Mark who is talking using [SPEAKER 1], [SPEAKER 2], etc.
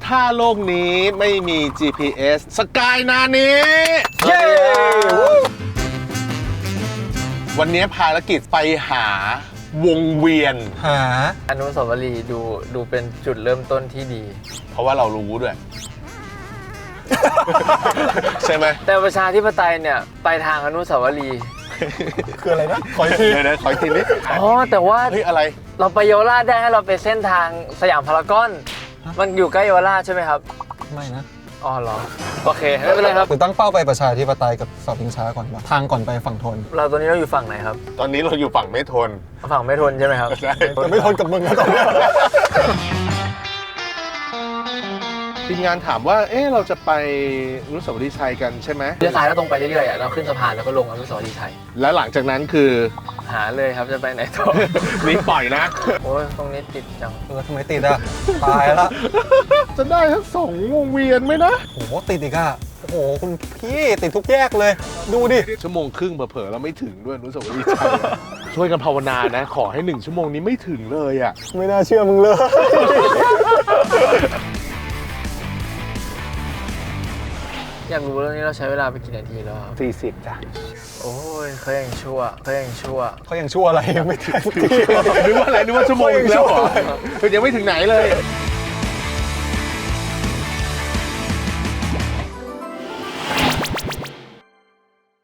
[SPEAKER 1] ถ้าโลกนี้ไม่มี GPS สกายนานี้เย้วันนี้ภารกิจไปหาวงเวียน
[SPEAKER 2] หา
[SPEAKER 3] อนุสาวรีย์ดูเป็นจุดเริ่มต้นที่ดี
[SPEAKER 1] เพราะว่าเรารู้ด้วย ใช่ไหม
[SPEAKER 3] แต่ประชาธิปไตยเนี่ยไปทางอนุสาวรีย์
[SPEAKER 2] คืออะไรนะ ขออีกที
[SPEAKER 1] เดี๋ยวขออีกทีนี้
[SPEAKER 3] อ๋อแต่ว่า
[SPEAKER 1] เฮ้ยอะไร
[SPEAKER 3] เราไปเยาวราชได้ให้เราไปเส้นทางสยามพารากอน มันอยู่ใกล้เยาวราชใช่ไหมครับ
[SPEAKER 2] ไม่นะ
[SPEAKER 3] อ๋อเหรอโอเคไม่เป็นไรครับ
[SPEAKER 2] คือตั้งเป้าไปประชาธิปไตยกับเสาชิงช้าก่อนปะทางก่อนไปฝั่งทน
[SPEAKER 3] เราตอนนี้เราอยู่ฝั่งไหนครับ
[SPEAKER 1] ตอนนี้เราอยู่ฝั่งไม่ทน
[SPEAKER 3] ฝั่งไม่ทนใช่ไหมครับ
[SPEAKER 1] ใช่
[SPEAKER 2] แต่ไม่ทนกับมึงนะตอนเนี้ย
[SPEAKER 1] ทีมงานถามว่าเราจะไปอนุสาวรีย์ชัยกันใช่ไหม
[SPEAKER 3] เลี้ยวซ้ายแล้วตรงไปเรื่อยๆเราขึ้นสะพานแล้วก็ลงอนุสาวรีย์ชัย
[SPEAKER 1] แล้วหลังจากนั้นคือ
[SPEAKER 3] หาเลยครับจะไปไหนต่อ
[SPEAKER 1] นี่ปล่อยนะ
[SPEAKER 3] โอ้ยตรงนี้ติดจัง
[SPEAKER 2] ทำไมติดอ่ะ ตายละ
[SPEAKER 1] จะได้ทั้งสองวงเวียนไหมนะ
[SPEAKER 2] โอ้โหติดอีกอ่ะ โอ้โหคุณพี่ติดทุกแยกเลย ดูดิ
[SPEAKER 1] ชั่วโมงครึ่งเผลอๆเราไม่ถึงด้วยอนุสาวรีย์ชัย ช่วยกันภาวนานะ ขอให้1 ชั่วโมงนี้ไม่ถึงเลยอ่ะ
[SPEAKER 2] ไม่น่าเชื่อมึงเลย
[SPEAKER 3] อยากรู้เรื่องนี้เราใช้เวลาไปกี่นาทีแล้วครับ
[SPEAKER 1] 40จ้ะ
[SPEAKER 3] โอ้ยเขายังชั่วเขายังชั่ว
[SPEAKER 2] เขายังชั่วอะไรยังไม่ถึงสักที
[SPEAKER 1] นึกว่าอะไรนึกว่าชั่วโมงนึงแล้วเหรอคือยังไม่ถึงไหนเลย
[SPEAKER 3] เ